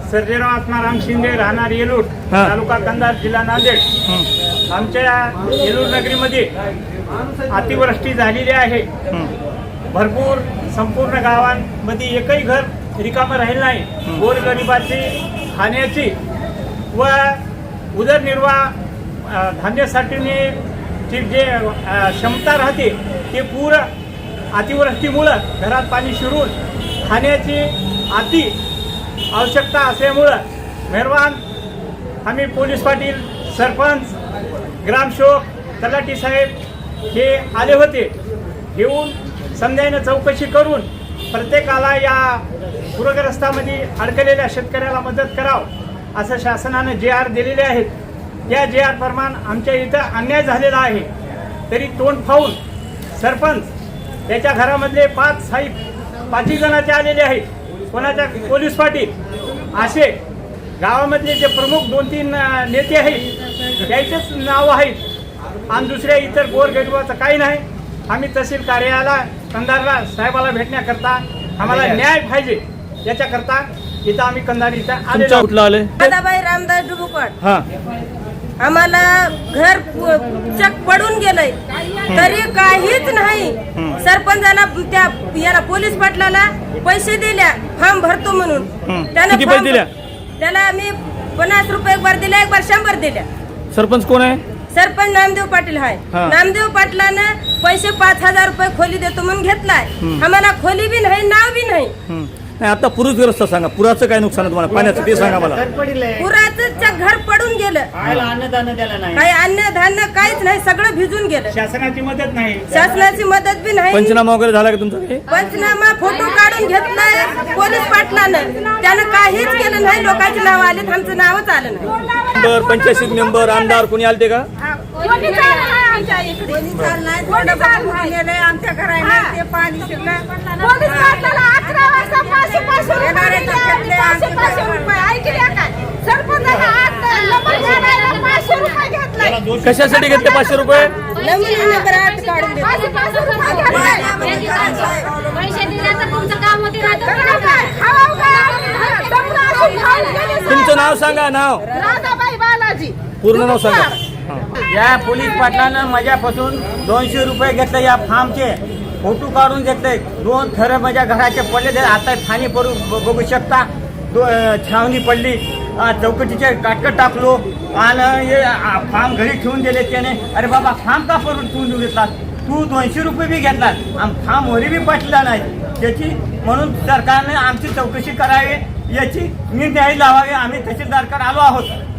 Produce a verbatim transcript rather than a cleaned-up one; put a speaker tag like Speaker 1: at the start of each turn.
Speaker 1: सर्जेराव आत्माराम शिंदे, राहणार येलूर, तालुका कंधार, जिल्हा नांदेड। आमच्या येलूर नगरीमध्ये अतिवृष्टी झालेली आहे। भरपूर संपूर्ण गावांमध्ये एकही घर रिकामं राहिलं नाही। गोरगरिबाची खाण्याची व उदरनिर्वाह धान्यासाठीची जे क्षमता राहते ते पूर अतिवृष्टीमुळं घरात पाणी शिरून खाण्याची अति आवश्यकता असल्यामुळं मेहरबान आम्ही पोलीस पाटील, सरपंच, ग्रामसेवक, तलाठी साहेब हे आले होते। येऊन समजायनं चौकशी करून प्रत्येकाला या पूरग्रस्तामध्ये अडकलेल्या शेतकऱ्याला मदत करावं असं शासनाने जे आर दिलेले आहेत। त्या जे आर प्रमाण आमच्या इथं अन्याय झालेला आहे तरी तोंड फावून सरपंच त्याच्या घरामधले पाच साहेब पाचही जणांचे आलेले आहेत, कोणाच्या पोलीस पाटील असे गावामधले जे प्रमुख दोन तीन नेते आहेत त्याचेच नाव आहेत आणि दुसऱ्या इतर गोरगरिबाचं काही नाही। आम्ही तहसील कार्यालयाला कंधारला साहेबाला भेटण्याकरता आम्हाला न्याय पाहिजे याच्याकरता इथं आम्ही कंधार इथं आलेलो
Speaker 2: आले।
Speaker 3: दादाबाई रामदास डुबुकट
Speaker 2: हा
Speaker 3: आम्हाला घर चक पडून गेलंय तरी काहीच नाही। सरपंचाला त्या याला पोलीस पाटलाला पैसे दिल्या फॉर्म भरतो म्हणून,
Speaker 2: किती पैसे दिल्या?
Speaker 3: त्याला आम्ही पन्नास रुपये एक बार दिल्या, एक बार शंभर दिल्या।
Speaker 2: सरपंच कोण आहे?
Speaker 3: सरपंच नामदेव पाटील आहे। नामदेव पाटलानं पैसे पाच हजार रुपये खोली देतो म्हणून घेतलाय। आम्हाला खोली बी नाही, नाव बी नाही।
Speaker 2: नाही आता पूरग्रस्त सांगा, पुराचं काय नुकसान आहे तुम्हाला, पाण्याचं ते सांगा मला।
Speaker 3: पुराचं घर पडून गेलं,
Speaker 1: अन्नदान द्यायला नाही,
Speaker 3: काही अन्न धान्य काहीच नाही, सगळं भिजून गेलं।
Speaker 1: शासनाची मदत नाही,
Speaker 3: शासनाची मदत बी नाही।
Speaker 2: पंचनामा वगैरे झाला का तुमचा?
Speaker 3: पंचनामा फोटो काढून घेतलाय पोलीस पाटलानं, त्यानं काहीच केलं नाही। लोकांची नाव आली, आमचं नावच आलं नाही।
Speaker 2: मेंबर, पंचायत मेंबर, आमदार कोणी आलते का?
Speaker 3: आमच्या घराला ते पाणी
Speaker 2: कशासाठी घेतले पाचशे रुपये? तुमचं नाव सांगा, नाव पूर्ण नाव सांगा।
Speaker 4: या पोलीस पाटलानं माझ्यापासून दोनशे रुपये घेतले, या फार्मचे फोटो काढून घेतले। दोन थर माझ्या घराचे पडले, आता फाणी पडू बघू शकता। दो छावणी पडली, चौकटीचे काटकट टाकलो आणि हे फार्म घरी ठेवून दिले त्याने। अरे बाबा फार्म का पडून ठेवून घेतला तू? दोनशे रुपये बी घेतला आणि फार्म वरी बी पटला नाही त्याची, म्हणून सरकारने आमची चौकशी करावी, याची निर्णय लावावे। आम्ही तहसीलदारकडे आलो आहोत।